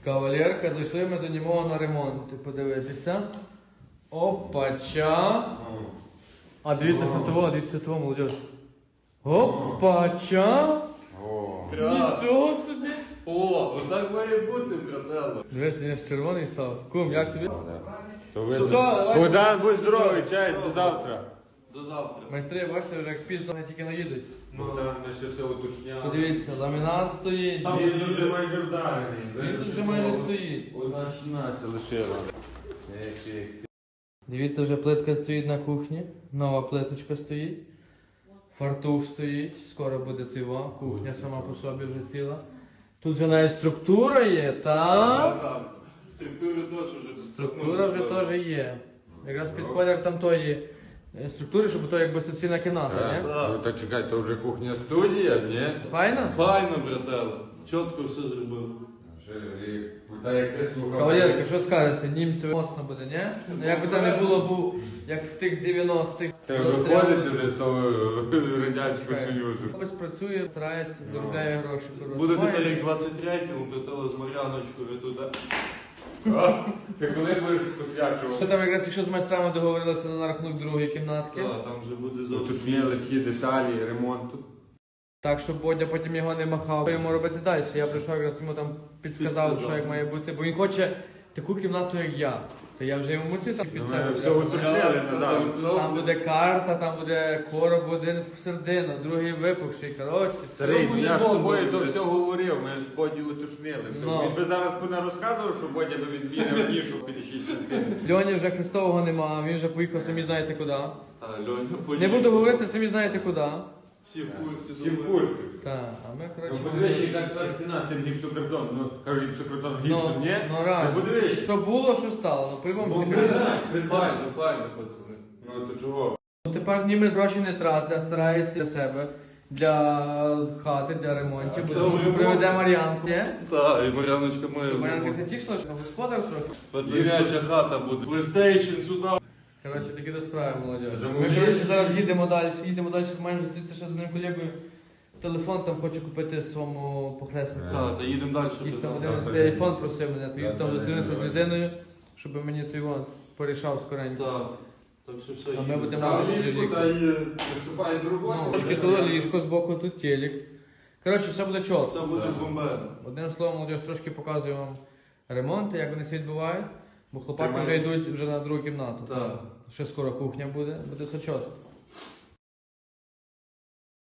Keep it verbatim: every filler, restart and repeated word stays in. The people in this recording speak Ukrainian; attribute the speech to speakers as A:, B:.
A: Кавалерка, зайшли ми до нього на ремонт. Подивитися. Опача. А дивіться на того, дивіться на того, молодь. Опача. Нічого собі.
B: О, отак має бути, братела.
A: Дивіться, я ж червоний став. Кум, як тобі?
C: Богдан, будь здоровий, чай, до завтра.
B: До завтра.
A: Майстри, бачите, вже як пізно вони тільки наїдуть.
C: Богдан, ми ще все уточняли.
A: Подивіться, ламінат стоїть.
C: Він дуже майже вдарений.
A: Він тут вже майже стоїть.
C: Одна шістнадцять лишила.
A: Дивіться, вже плитка стоїть на кухні. Нова плиточка стоїть. Фартух стоїть. Скоро буде тива. Кухня сама по собі вже ціла. Тут вже навіть структура є, так?
B: Структура теж вже.
A: Структура вже теж є. Якраз під колір там тої е, структури, щоб то якби соціальна кімната, ні?
C: Ну так чекай, то вже кухня студія, ні?
A: Файно?
B: Файно, братела. Чітко все зробили.
C: Та як ти слухав.
A: Кавалерка, що скажете? Німців моцно буде, ні? Ну як би то не було, був як в тих дев'яностих.
C: Ти виходите вже з того Радянського
A: Чекай.
C: Союзу.
A: Хтось працює, старається, заробляє гроші.
B: Буде
A: Має-
B: тепер як двадцять третьому, братела, з Мар'яночкою туди.
C: Ти коли будеш
A: Що
C: посвячувати?
A: там якраз, якщо з майстрами договорилися на рахунок другої кімнатки,
B: Так, там вже буде зовсім.
C: Уточнили всі деталі ремонту.
A: так, щоб Бодя потім його не махав. Що йому робити далі? Я прийшов, якраз йому там підсказав,
B: Підсказав.
A: що як має бути, бо він хоче таку кімнату, як я. То я вже йому мусив там під
C: Ми
A: себе.
C: все уточнили назад.
A: Там буде карта, там буде короб один в середину, другий випухший. Коротше,
C: Старий,
B: Все
C: я ж з
B: буде
C: тобою
B: добре.
C: то все говорив, ми ж з Боді уточнили. все.
A: Ну.
C: Він би зараз не розказував, що Бодя би відміряв нішу п'ятдесят шість сантиметрів.
A: Льоні вже Христового нема, він вже поїхав, самі знаєте куди.
B: Та, Льоня,
A: Не
B: поїхав.
A: буду говорити, самі знаєте куди.
B: Всі в курсі.
C: Всі в
B: думаю.
C: курсі.
A: Так, а ми,
C: Ну
A: коротше...
C: подивись, яка тепер стіна з тим гіпсокартоном. Ну, кажу, гіпсокартон
A: Ну,
C: гіпсом, ні?
A: ну реально.
C: Ну подивись.
A: Що було, що стало. Ну, по-любому
C: Ну,
A: це
C: признай,
A: кажуть.
C: признай.
B: Файно, файно, пацани.
C: Ну то чого?
A: Ну, тепер німець гроші не тратить, а старається для себе, для хати, для ремонтів.
B: Це
A: Тому
B: вже
A: що приведе
B: було.
A: Мар'янку. Ні?
B: Так, і Мар'яночка має.
A: Щоб Мар'янка
B: бути.
A: це тішила, що господар трохи.
B: Пацаняча хата буде. PlayStation сюди.
A: Коротше, такі до справи, молодь. Ми,
C: Замовляєш?
A: коротше, зараз їдемо далі, їдемо далі, маємо зустрітися ще з одним колегою. Телефон там хочу купити своєму похреснику.
B: Так, та їдемо далі.
A: Якийсь там
B: братела.
A: один з айфон просив мене, то їду там зустрінуся з людиною, щоб мені той вон порішав скоренько.
B: Так. Так що все,
A: А ми
B: їдемо.
A: будемо-
C: Став ліжку та й приступає до
A: Ну,
C: роботи.
A: трошки тут ліжко збоку, тут телек. Коротше, все буде чітко.
B: Все буде бомбезно.
A: Одним словом, молодіж, трошки показую вам ремонти, як вони всі відбувають, бо хлопаки
C: Тримай.
A: вже йдуть вже на другу кімнату.
B: Так.
A: Ще скоро кухня буде, буде все чітко.